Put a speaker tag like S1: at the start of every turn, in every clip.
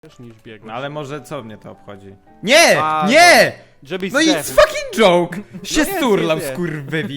S1: niż biegać.
S2: No ale może co mnie to obchodzi? Nie!
S1: A,
S2: nie!
S1: Żebyś
S2: No i
S1: zdechł.
S2: it's fucking joke! Się
S1: jest,
S2: sturlam,
S1: jest.
S2: skurwywi.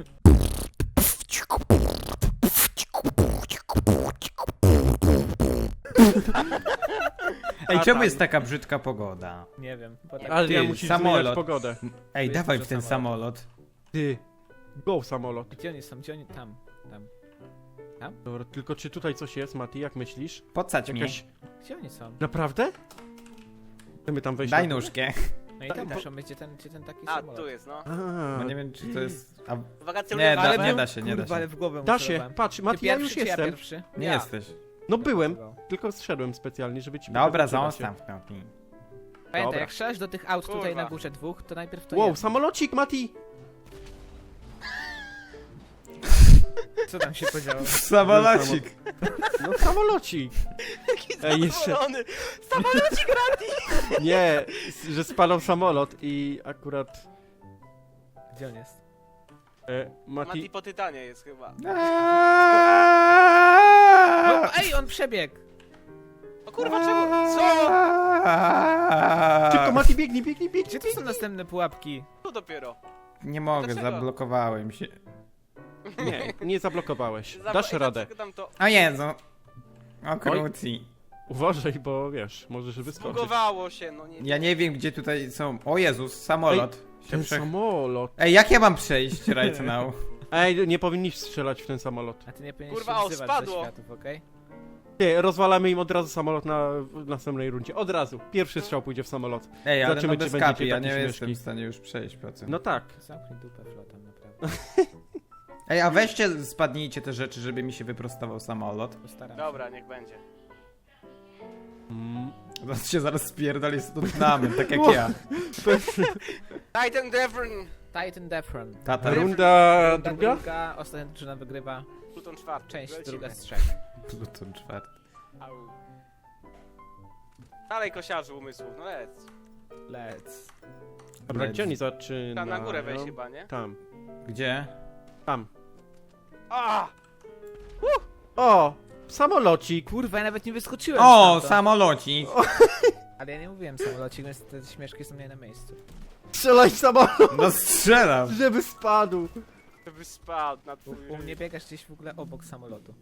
S2: Ej,
S1: A
S2: czemu
S1: tam.
S2: jest taka brzydka pogoda?
S3: Nie wiem, bo tak.
S1: Ale ja
S2: Ty,
S1: musisz
S2: samolot.
S1: zmieniać pogodę.
S2: Ej,
S3: jest
S2: dawaj
S3: dużo
S2: w ten
S3: samolotów.
S2: samolot.
S1: Ty. Go samolot.
S3: Gdzie oni są? Gdzie oni? Tam.
S1: Dobra, tylko czy tutaj coś jest, Mati, jak myślisz?
S2: Pocać mnie.
S1: Jakaś...
S3: Gdzie oni są?
S1: Naprawdę? Chcemy tam wejść
S2: Daj
S1: na...
S2: nóżkę.
S3: No i tam muszą być, gdzie ten taki
S4: A,
S3: samolot.
S4: tu jest, no.
S2: No nie wiem, czy to jest... A,
S4: Wakacje
S2: nie,
S4: ulewane.
S2: nie da się, nie da
S3: Kurwa, ale
S2: się.
S3: w głowę
S1: Da
S3: mu
S1: się,
S3: celowałem.
S1: patrz,
S3: Ty
S1: Mati, ja już
S3: pierwszy, czy ja
S1: jestem.
S3: pierwszy?
S2: Nie
S4: Ja.
S2: jesteś.
S1: No byłem, tylko zszedłem specjalnie, żeby ci
S2: Dobra,
S1: pokazać, czy da się.
S2: zostaw kropki.
S3: Pamiętaj,
S1: Dobra.
S3: jak strzelasz do tych aut tutaj
S4: Kurwa.
S3: na górze dwóch, to najpierw to
S1: Wow,
S3: jedno.
S1: samolocik, Mati!
S3: Co tam się podziało?
S2: Samolocik.
S1: No samolocik! Ej, jeszcze...
S4: Zadowolony.
S1: Nie, że spadał samolot i akurat...
S3: Gdzie on jest?
S4: Mati
S1: Mati...
S4: po Tytanie jest chyba.
S3: No, ej, on przebiegł!
S4: O kurwa, czemu? Co?
S1: Szybko, Mati, biegnij, biegnij,
S3: Gdzie
S1: biegnij!
S3: tu są następne pułapki?
S4: Tu dopiero.
S2: Nie mogę,
S4: Dlaczego?
S2: zablokowałem się.
S1: Nie, nie zablokowałeś. Dasz radę.
S4: Tam to
S2: O Jezu. O króci.
S1: Uważaj, bo wiesz, możesz wyskoczyć.
S4: zbugowało się, no nie.
S2: Ja nie wiem, gdzie tutaj są... O Jezus, samolot.
S1: Ten samolot.
S2: Ej, jak ja mam przejść right now?
S1: Ej, nie powinniś strzelać w ten samolot.
S3: A ty nie powinieneś
S4: Kurwa,
S3: się
S4: o,
S3: wzywać
S4: spadło.
S3: do światów, okej?
S1: Nie, rozwalamy im od razu samolot w następnej rundzie. Od razu. Pierwszy strzał pójdzie w samolot.
S2: Ej, ale
S1: Zobaczymy,
S2: no
S1: czy
S2: bez
S1: będziecie
S2: kapi, ja
S1: takie
S2: nie
S1: śmieszki.
S2: jestem w stanie już przejść po tym.
S1: No tak.
S3: Zamknij dupę flotem, naprawdę.
S2: Ej, a weźcie, spadnijcie te rzeczy, żeby mi się wyprostował samolot.
S3: Postaram się.
S4: Dobra, niech będzie.
S2: Zaraz się zaraz spierdoli z Tottenhamem, tak jak ja.
S4: Titan Devon.
S3: Titan Defron.
S2: Tata.
S1: Runda druga?
S3: Ostatnia drużyna wygrywa.
S4: Pluton czwarty.
S3: Część
S4: Lecimy.
S3: druga z 3.
S2: Pluton czwarty.
S4: Au. Dalej kosiarzu umysłów, no lec.
S3: Let's.
S1: Dobra, gdzie oni zaczynają?
S4: Tam na górę weź chyba, nie?
S1: Tam.
S2: Gdzie?
S1: Tam.
S4: A!
S1: O! Samolocik!
S3: Kurwa, ja nawet nie wyskoczyłem
S2: O,
S3: stamtąd.
S2: samolocik!
S3: Ale ja nie mówiłem samolocik, więc te śmieszki są nie na miejscu.
S1: Strzelaj w samolot,
S2: No strzelam!
S1: żeby spadł!
S4: Żeby spadł na twój...
S3: U mnie biegasz gdzieś w ogóle obok samolotu.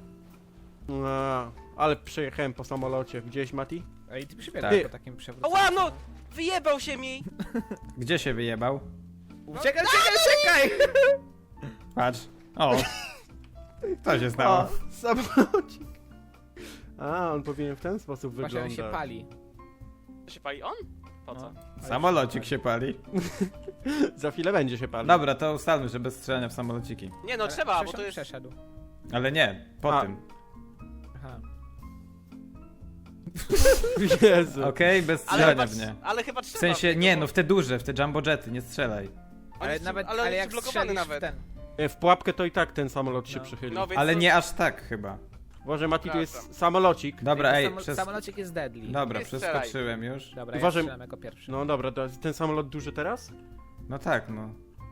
S1: A, ale przejechałem po samolocie. Gdzieś, Mati?
S3: Ej, ty przybiegasz
S1: Tak.
S3: po takim przewrocie.
S4: Ała, no! Wyjebał się mi!
S2: Gdzie się wyjebał?
S3: Czekaj, czekaj!
S2: Patrz. O! Co się stało?
S1: O, samolocik! A, on powinien w ten sposób
S3: Właśnie on
S1: wyglądać.
S3: się pali.
S4: To się pali on? Po co?
S3: No.
S2: Samolocik się pali.
S1: Za chwilę będzie się palił.
S2: Dobra, to ustalmy, że bez strzelania w samolociki.
S4: Nie no,
S3: Ale
S4: trzeba, bo to jest...
S3: Przeszedł.
S2: Ale nie, po
S1: A.
S2: tym.
S3: Aha.
S1: Jezu.
S2: Okej, bez
S4: Ale
S2: strzelania
S4: chyba,
S2: w nie.
S4: ale chyba
S2: W
S4: trzeba.
S2: sensie,
S4: tego,
S2: nie,
S4: bo-
S2: no w te duże, w te jumbo jety, nie strzelaj.
S3: Ale
S4: jest-
S3: nawet,
S4: ale on
S3: ale
S4: jest
S3: jak
S4: blokowany
S3: strzelisz
S4: nawet.
S3: w ten...
S1: W pułapkę to i tak ten samolot się
S3: No.
S1: przychyli.
S4: No, więc
S2: Ale
S4: to-
S2: nie aż tak chyba.
S1: Może Mati, tu jest
S4: Przepraszam.
S1: samolocik.
S2: Dobra, ej,
S3: Samolocik jest deadly.
S2: Dobra,
S4: Nie strzelaj.
S2: przeskoczyłem już.
S3: Dobra, ja
S1: Uważaj-
S3: strzelam jako pierwszy.
S1: No dobra, to ten samolot duży teraz?
S2: No tak, no.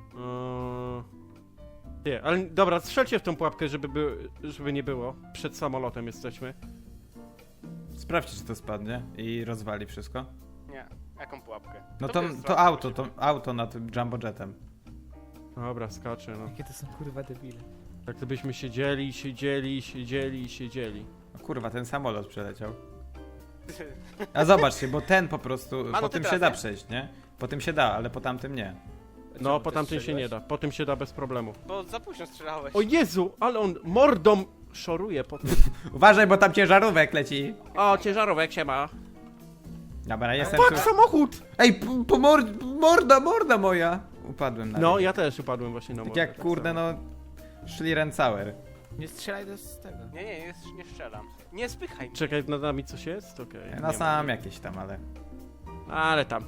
S1: Nie, ale dobra, strzelcie w tą pułapkę, żeby nie było. Przed samolotem jesteśmy.
S2: Sprawdźcie, czy to spadnie i rozwali wszystko.
S4: Nie, jaką pułapkę?
S2: No
S4: To
S2: to,
S4: jest
S2: to auto nad tym jumbo jetem.
S1: Dobra, skaczę, no.
S3: Jakie to są kurwa debile.
S1: Tak to byśmy siedzieli.
S2: O kurwa, ten samolot przeleciał. A zobaczcie, bo ten po prostu,
S4: no
S2: po
S4: ty
S2: tym
S4: teraz,
S2: się da
S4: nie?
S2: przejść, nie? Po tym się da, ale po tamtym nie.
S1: No,
S3: Czemu
S1: po
S3: ty
S1: tamtym się
S3: strzeliłeś?
S1: nie da. Po tym się da bez problemu.
S4: Bo za późno strzelałeś.
S1: O Jezu, ale on mordą szoruje po tym.
S2: Uważaj, bo tam ciężarówek leci.
S1: O, ciężarówek się ma.
S2: Dobra, jestem tu.
S1: Fuck, samochód!
S2: Ej, morda moja! Upadłem na
S1: No,
S2: nią.
S1: ja też upadłem właśnie na
S2: Tak
S1: mordę.
S2: jak kurde,
S1: samo.
S2: no... Schlierencauer.
S3: Nie strzelaj z tego.
S4: Nie strzelam. Nie spychaj mnie.
S1: Czekaj, nad nami coś jest? Okej.
S2: No
S1: nie
S2: sam
S1: ma.
S2: jakieś tam, ale...
S1: Ale tam.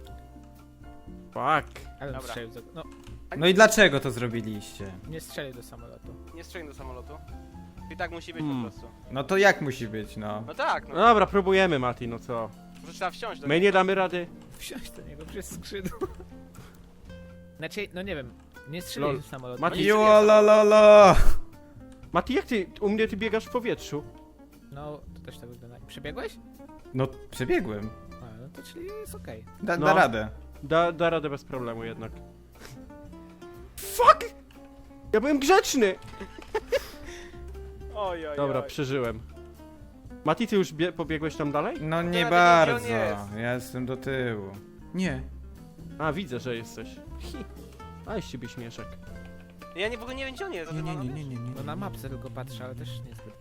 S1: Fuck.
S3: Ale
S4: Dobra.
S3: strzelił do... No,
S2: No i dlaczego to zrobiliście?
S3: nie strzelił do samolotu.
S4: Nie strzelaj do samolotu. I tak musi być
S1: Hmm.
S4: po prostu.
S2: No to jak musi być, no?
S4: No tak,
S1: No
S4: no.
S1: dobra, próbujemy, Mati, no co?
S4: Może trzeba wsiąść do
S1: My
S4: niego.
S1: nie damy rady.
S3: Wsiąść do niego przez skrzydło. Znaczy, no nie wiem. Nie
S1: Lol.
S3: strzelił do samolotu.
S1: Mati-
S2: Jolololo!
S1: Mati, jak ty, u mnie ty biegasz w powietrzu?
S3: No, to też tak wygląda. Przebiegłeś?
S2: No, przebiegłem.
S3: A, no to czyli jest okej.
S2: Da
S1: No.
S2: radę.
S1: Da radę bez problemu jednak. Fuck! Ja byłem grzeczny!
S4: Oj, oj,
S1: Dobra,
S4: oj.
S1: przeżyłem. Mati, ty już pobiegłeś tam dalej?
S2: No nie
S4: wiem, gdzie
S2: bardzo.
S4: on jest.
S2: Ja jestem do tyłu. Nie.
S1: A, widzę, że jesteś. A, z ciebie śmieszek.
S4: Ja w ogóle nie wiem, gdzie on jest. a ty
S2: Nie,
S4: ma
S2: nie,
S4: na
S2: nie, nie, nie,
S3: No
S2: nie.
S3: na mapce tylko patrzę, ale też niezbyt.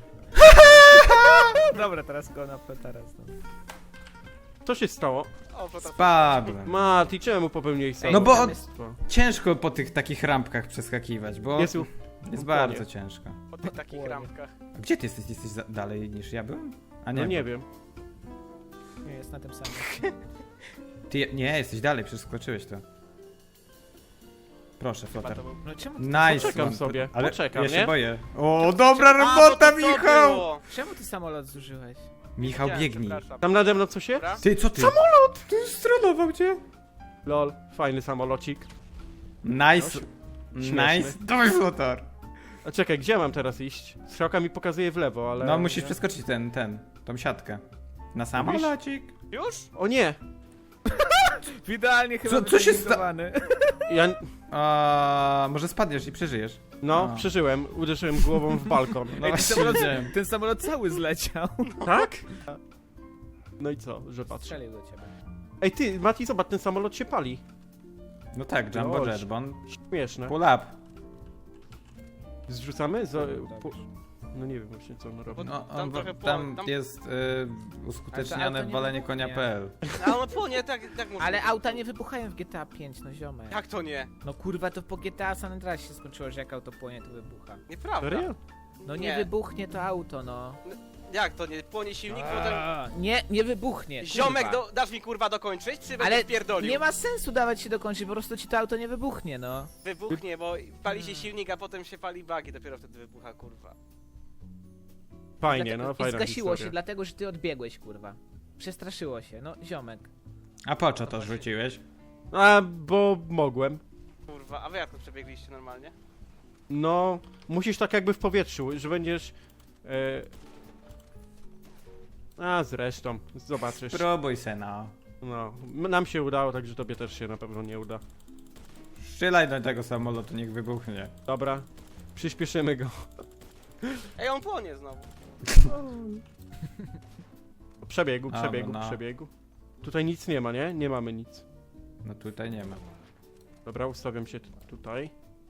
S3: Dobra, teraz go na teraz. No.
S1: Co się stało?
S4: O, to
S2: Spadłem.
S1: Mati, czemu popełniłeś
S3: Ej,
S2: No bo
S3: tam
S2: on-
S3: jest-
S2: Ciężko po tych takich rampkach przeskakiwać, bo
S1: Jest
S2: jest bardzo ciężko.
S4: po tych takich
S3: Płonie.
S4: ramkach.
S2: A gdzie ty jesteś? Jesteś dalej niż ja byłem? A nie.
S1: No nie wiem.
S3: Nie, jest na tym samym.
S2: Ty nie, jesteś dalej, przeskoczyłeś to. Proszę,
S4: Chyba
S2: Flotar.
S4: to był...
S3: No czemu ty,
S2: Nice.
S1: Poczekam
S2: one.
S1: sobie,
S2: Ale
S1: poczekam,
S2: ja się
S1: nie?
S2: boję. O, dobra
S4: A,
S2: robota,
S4: bo to
S2: Michał!
S4: było.
S3: czemu ty samolot zużyłeś?
S2: Michał,
S4: Wiedziałem,
S2: biegnij.
S4: przepraszam.
S1: Tam nade mną coś jest?
S4: Dobra.
S2: Ty, co ty? Samolot! Ty strolował cię.
S1: Lol, fajny samolocik.
S2: Nice.
S1: śmieszny.
S2: Nice. Dawaj, Flotar.
S1: A czekaj, gdzie mam teraz iść? Strzałka mi pokazuje w lewo, ale...
S2: No, musisz przeskoczyć tą siatkę. Na samolocik.
S4: Już?
S1: O nie!
S3: Idealnie chyba
S2: Co się
S3: wytreningowany.
S1: Ja...
S2: Może spadniesz i przeżyjesz.
S1: No,
S2: A.
S1: przeżyłem. Uderzyłem głową w balkon.
S2: No
S3: Ej, ten,
S2: właśnie
S3: samolot,
S2: widziałem.
S3: ten samolot cały zleciał.
S1: Tak? No i co, że patrz.
S3: Strzelił do ciebie.
S1: Ej ty, Mati, zobacz, ten samolot się pali.
S2: No tak, Jumbo
S1: Lol.
S2: Jet, bo on
S1: Śmieszne.
S2: pull up.
S1: Zrzucamy?
S3: Tak.
S1: No nie wiem właśnie, co on robi.
S2: No,
S4: Tam
S2: on,
S4: trochę
S2: tam
S4: tam-
S2: jest
S3: Ale
S2: uskuteczniane
S3: to nie
S2: walenie
S3: wybuchnie.
S2: konia.pl.
S4: A on płonie, tak może.
S3: Ale auta nie wybuchają w GTA 5, no ziomek.
S4: Jak to nie?
S3: No kurwa, to po GTA San Andreas się skończyło, że jak auto płonie, to wybucha.
S4: Nieprawda.
S1: Serio?
S3: No nie
S4: Nie.
S3: wybuchnie to auto, no.
S4: Jak to nie? Płonie silnik, potem...
S3: Nie wybuchnie.
S4: Ziomek,
S3: kurwa.
S4: dasz mi kurwa dokończyć, czy
S3: Ale
S4: będziesz pierdolił?
S3: nie ma sensu dawać się dokończyć, po prostu ci to auto nie wybuchnie, no.
S4: Wybuchnie, bo pali się silnik, a potem się pali bagi, dopiero wtedy wybucha, kurwa.
S1: Fajnie, no
S3: I
S1: fajna
S3: zgasiło
S1: historia.
S3: się, dlatego że ty odbiegłeś, kurwa. Przestraszyło się, no ziomek.
S2: A po co to rzuciłeś?
S1: A, bo mogłem.
S4: Kurwa, a wy jak to przebiegliście normalnie?
S1: No, musisz tak jakby w powietrzu, że będziesz... A, zresztą, zobaczysz.
S2: Spróbuj se, no.
S1: No, nam się udało, także tobie też się na pewno nie uda.
S2: Strzelaj do tego samolotu, niech wybuchnie.
S1: Dobra, przyspieszymy go.
S4: Ej, on płonie znowu.
S1: Przebiegu,
S2: A,
S1: przebiegu,
S2: no.
S1: przebiegu. Tutaj nic nie ma, nie? Nie mamy nic.
S2: No tutaj nie ma.
S1: Dobra, ustawiam się tutaj.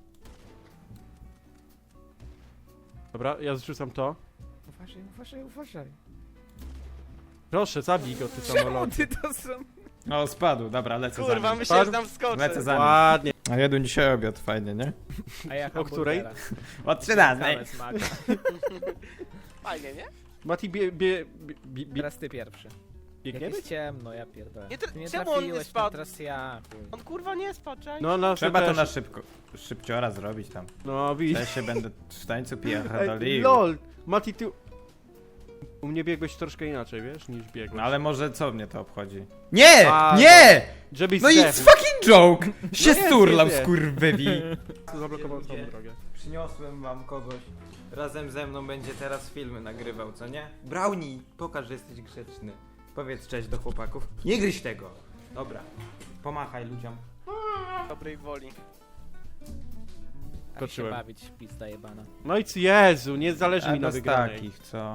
S1: Dobra, ja zrzucam to.
S3: Uważaj, uważaj, uważaj.
S1: Proszę, zabij go, ty
S3: Czemu
S1: samolot.
S3: ty to zrobił?
S2: O, spadł, dobra, lecę
S4: Kurwa,
S2: za nim.
S4: myślałem, że tam skoczę.
S2: Lecę za nim.
S1: Ładnie.
S2: A jadłem dzisiaj obiad, fajnie, nie?
S3: A ja
S1: O której?
S2: O 13.
S3: Całe smaka.
S4: Fajnie, nie?
S1: Mati,
S3: Teraz ty pierwszy. Jak
S1: biegniemy?
S3: jest ciemno, ja pierdolę.
S4: Nie,
S3: Ty nie
S4: czemu on nie
S3: trafiłeś,
S4: spadł?
S3: no teraz ja. chuj.
S4: On kurwa nie spadł, czaj?
S1: No, na
S2: Trzeba to
S1: też.
S2: na szybciora zrobić tam.
S1: No, widzisz.
S2: Ja się będę w tańcu pijach
S1: Ej,
S2: dolił.
S1: lol, Mati, ty... U mnie biegłeś troszkę inaczej, wiesz, niż biegłeś.
S2: No ale może co mnie to obchodzi? Nie!
S1: A,
S2: nie!
S1: Żebyś
S2: No i
S1: zdechł.
S2: it's fucking joke! Się
S1: jest,
S2: sturlał,
S1: jest.
S2: skurwywi.
S1: Zablokował całą drogę.
S2: Przyniosłem wam kogoś. Razem ze mną będzie teraz filmy nagrywał, co nie? Brownie, pokaż, że jesteś grzeczny. Powiedz cześć do chłopaków. Nie gryź tego! Dobra. Pomachaj ludziom.
S4: Dobrej woli.
S3: A się
S1: Skoczyłem.
S3: bawić, pizda jebana.
S1: No i Jezu, nie zależy mi na
S2: bez
S1: wygranej.
S2: takich, co?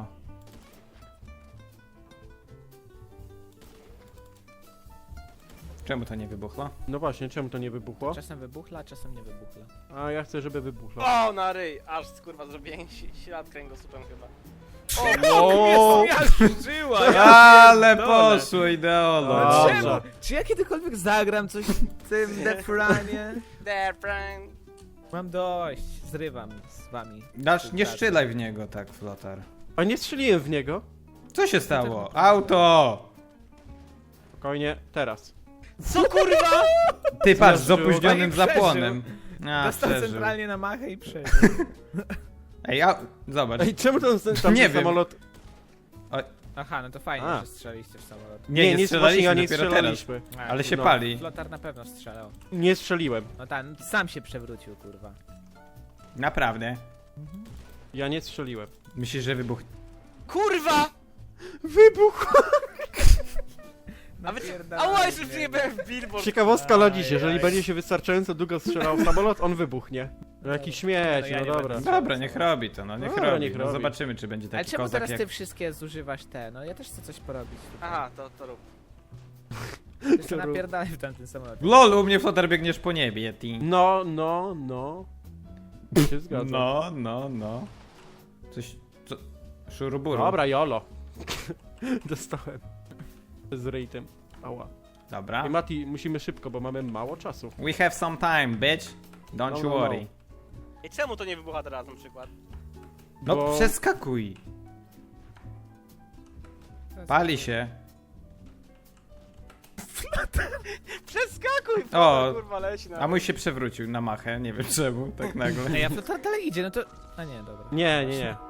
S2: Czemu to nie wybuchło?
S1: No właśnie, czemu to nie wybuchło?
S3: Czasem wybuchla, czasem nie wybuchla.
S1: A ja chcę, żeby wybuchło.
S4: O, na ryj! Aż kurwa zrobiłem ślad kręgosłupem chyba.
S1: O,
S3: Żyła!
S2: Ale
S3: pierdolę.
S2: poszło ideolo.
S1: Dobrze.
S3: Czemu? Czy ja kiedykolwiek zagram coś w tym Death Runie?
S4: There, friend.
S3: Mam dość, zrywam z wami.
S2: Nie strzelaj w niego tak, Flotar.
S1: a nie strzeliłem w niego.
S2: Co się stało? Auto!
S1: Spokojnie, teraz.
S4: Co kurwa?
S2: Ty patrz, z
S1: Zdarzyło.
S2: opóźnionym
S3: No i przeżył.
S2: zapłonem. A,
S3: Dostał
S2: przeżył.
S3: centralnie na machę i przeżył.
S2: Ej, zobacz.
S1: Ej, czemu tam
S2: Nie
S1: ten
S2: wiem.
S1: samolot...
S3: Aha, no to fajnie,
S1: A.
S3: że strzeliście w samolot.
S2: Nie
S1: właśnie
S2: strzelaliśmy,
S1: ja nie
S2: dopiero
S1: strzelaliśmy.
S2: Ale się
S1: No.
S2: pali.
S3: Flotar na pewno strzelał.
S1: Nie strzeliłem.
S3: No tak, no sam się przewrócił, kurwa.
S2: Naprawdę.
S1: Ja nie strzeliłem.
S2: Myślisz, że wybuch...
S4: Kurwa!
S1: Wybuch!
S4: A wy...
S3: Napierdalaj
S4: Ała, jeszcze
S3: mnie.
S4: przyjebałem w billboard.
S1: Ciekawostka dla dziś,
S3: Aj,
S1: jeżeli
S3: aj.
S1: będzie się wystarczająco długo strzelał w samolot, on wybuchnie. No jakiś śmieć,
S3: No ja
S1: no
S3: nie
S1: dobra.
S3: będę.
S2: Dobra, niech robi to, no niech
S1: Dobra,
S2: robi.
S1: niech
S2: No
S1: robi.
S2: zobaczymy, czy będzie
S3: Ale
S2: taki
S3: czemu
S2: kozak
S3: teraz
S2: jak...
S3: ty wszystkie zużywasz te? No ja też chcę coś porobić.
S4: Aha, to rób.
S3: Jeszcze
S1: to rób.
S3: napierdalaj w tamtym samolocie.
S2: LOL, u mnie flotar biegniesz po niebie, Yeti.
S1: No. Się zgadzam.
S2: No. Coś... Co? Szuruburu.
S1: Dobra, jolo. Dostałem. Z rejtem. Ała.
S2: Dobra.
S1: I Mati, musimy szybko, bo mamy mało czasu.
S2: We have some time, bitch. Don't
S1: No,
S2: you
S1: no,
S2: worry.
S4: I czemu to nie wybucha teraz na przykład?
S2: No
S1: Bo-
S2: przeskakuj. Pali się.
S4: Przeskakuj!
S2: O,
S4: Kurwa, leci na...
S2: A mój się przewrócił na machę, nie wiem czemu, tak nagle.
S3: Ej, a flotar dalej idzie, no to... A nie, dobra.
S1: Nie.